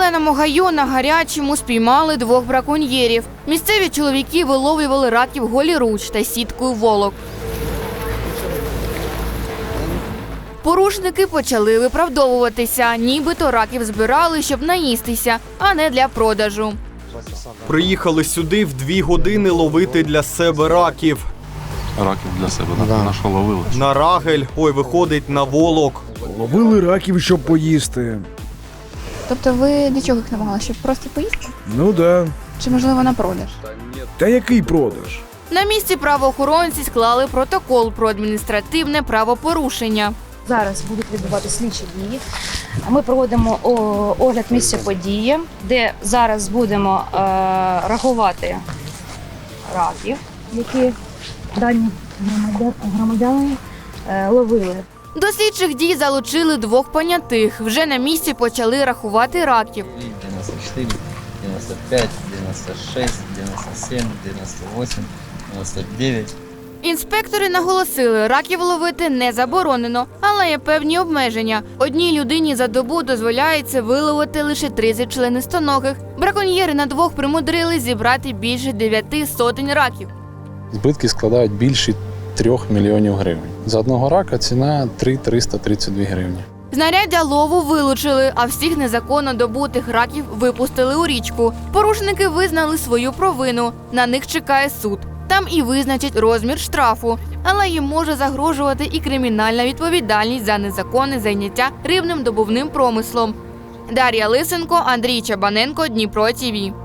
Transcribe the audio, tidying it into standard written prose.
зеленому гаю на Гарячому спіймали 2 браконьєрів. Місцеві чоловіки виловлювали раків голіруч та сіткою волок. Порушники почали виправдовуватися, нібито раків збирали, щоб наїстися, а не для продажу. Приїхали сюди в 2 години ловити для себе раків. Раків для себе, на що ловили? На рагель, виходить, на волок. Ловили раків, щоб поїсти. Тобто ви для чого їх намагали? Щоб просто поїсти? Ну да. Чи, можливо, на продаж? Та який продаж? На місці правоохоронці склали протокол про адміністративне правопорушення. Зараз будуть відбуватися слідчі дії. Ми проводимо огляд місця події, де зараз будемо рахувати раків, які дані громадяни ловили. До слідчих дій залучили 2 понятих. Вже на місці почали рахувати раків. 94, 95, 96, 97, 98, 99. Інспектори наголосили, раків ловити не заборонено, але є певні обмеження. Одній людині за добу дозволяється виловити лише 30 членистоногих. Браконьєри на 2 примудрили зібрати більше 9 сотень раків. Збитки складають більше 3 мільйонів гривень. За одного рака ціна 332 гривні. Знаряддя лову вилучили, а всіх незаконно добутих раків випустили у річку. Порушники визнали свою провину. На них чекає суд. Там і визначать розмір штрафу. Але їм може загрожувати і кримінальна відповідальність за незаконне зайняття рибним добувним промислом. Дар'я Лисенко, Андрій Чабаненко, Дніпро ТІВІ.